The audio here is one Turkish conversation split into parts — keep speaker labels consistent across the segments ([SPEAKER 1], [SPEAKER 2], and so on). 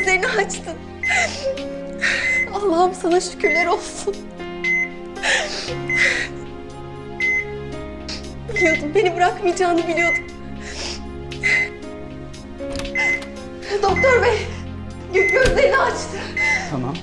[SPEAKER 1] gözlerini açtın. Allah'ım sana şükürler olsun. Biliyordum, beni bırakmayacağını biliyordum. Doktor bey, gözlerini açtı.
[SPEAKER 2] Tamam.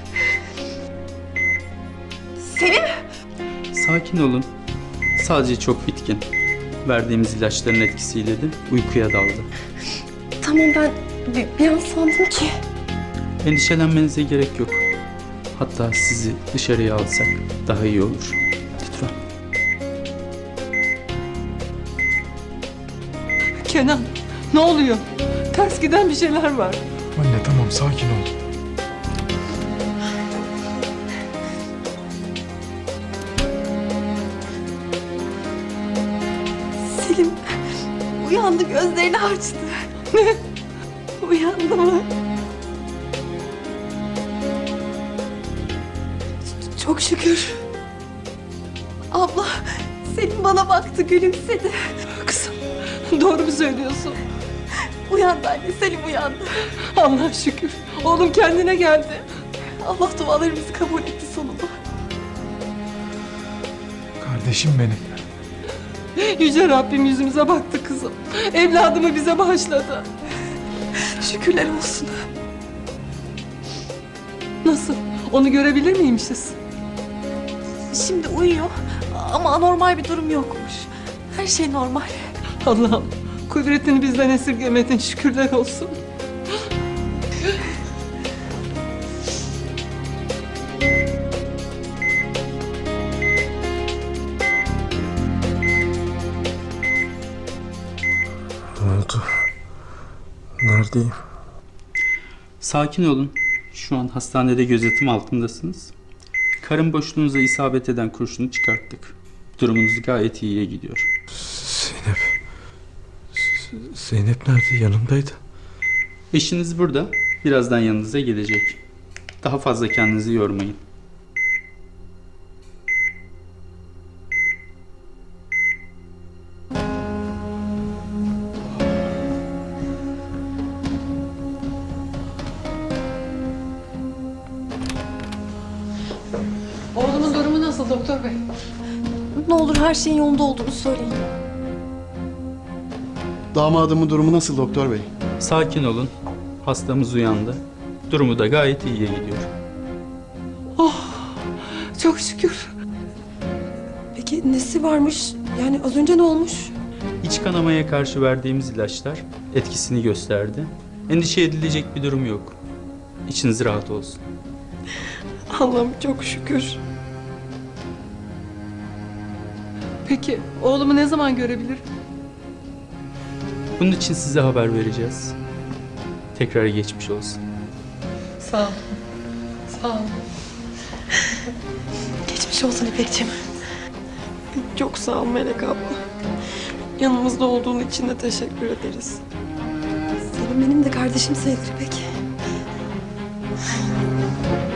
[SPEAKER 1] Selim!
[SPEAKER 2] Sakin olun. Sadece çok bitkin. Verdiğimiz ilaçların etkisiyle de uykuya daldı.
[SPEAKER 1] Tamam, ben bir an sandım ki.
[SPEAKER 2] Endişelenmenize gerek yok. Hatta sizi dışarıya alsak daha iyi olur. Lütfen.
[SPEAKER 3] Kenan, ne oluyor? Ters giden bir şeyler var.
[SPEAKER 4] Anne tamam sakin ol.
[SPEAKER 1] Selim uyandı, gözlerini açtı.
[SPEAKER 3] Ne?
[SPEAKER 1] Uyandı mı? Çok şükür. Abla, Selim bana baktı, gülümsedi.
[SPEAKER 3] Kızım, doğru mu söylüyorsun?
[SPEAKER 1] Uyandı anne, Selim uyandı.
[SPEAKER 3] Allah'a şükür. Oğlum kendine geldi.
[SPEAKER 1] Allah dualarımızı kabul etti sonunda.
[SPEAKER 4] Kardeşim benim.
[SPEAKER 3] Yüce Rabbim yüzümüze baktı kızım. Evladımı bize bağışladı.
[SPEAKER 1] Şükürler olsun.
[SPEAKER 3] Nasıl? Onu görebilir miymişiz?
[SPEAKER 1] Şimdi uyuyor ama anormal bir durum yokmuş. Her şey normal.
[SPEAKER 3] Allah'ım, kudretini bizden esirgemedin, şükürler olsun.
[SPEAKER 4] Ne oldu? Neredeyim?
[SPEAKER 2] Sakin olun. Şu an hastanede gözetim altındasınız. Karın boşluğunuza isabet eden kurşunu çıkarttık. Durumunuz gayet iyiye gidiyor.
[SPEAKER 4] Zeynep. Zeynep nerede? Yanımdaydı.
[SPEAKER 2] Eşiniz burada. Birazdan yanınıza gelecek. Daha fazla kendinizi yormayın.
[SPEAKER 3] Oğlumun durumu nasıl doktor bey?
[SPEAKER 1] Ne olur her şeyin yolunda olduğunu söyleyin.
[SPEAKER 5] Damadımın durumu nasıl doktor bey?
[SPEAKER 2] Sakin olun. Hastamız uyandı. Durumu da gayet iyiye gidiyor.
[SPEAKER 3] Çok şükür.
[SPEAKER 1] Peki nesi varmış? Yani az önce ne olmuş?
[SPEAKER 2] İç kanamaya karşı verdiğimiz ilaçlar etkisini gösterdi. Endişe edilecek bir durum yok. İçiniz rahat olsun.
[SPEAKER 1] Allah'ım çok şükür.
[SPEAKER 3] Peki oğlumu ne zaman görebilir?
[SPEAKER 2] Bunun için size haber vereceğiz. Tekrar geçmiş olsun.
[SPEAKER 3] Sağ ol. Sağ ol.
[SPEAKER 1] Geçmiş olsun İpekciğim. Çok sağ ol Melek abla. Yanımızda olduğun için de teşekkür ederiz. Selim benim de kardeşim sayılır İpek.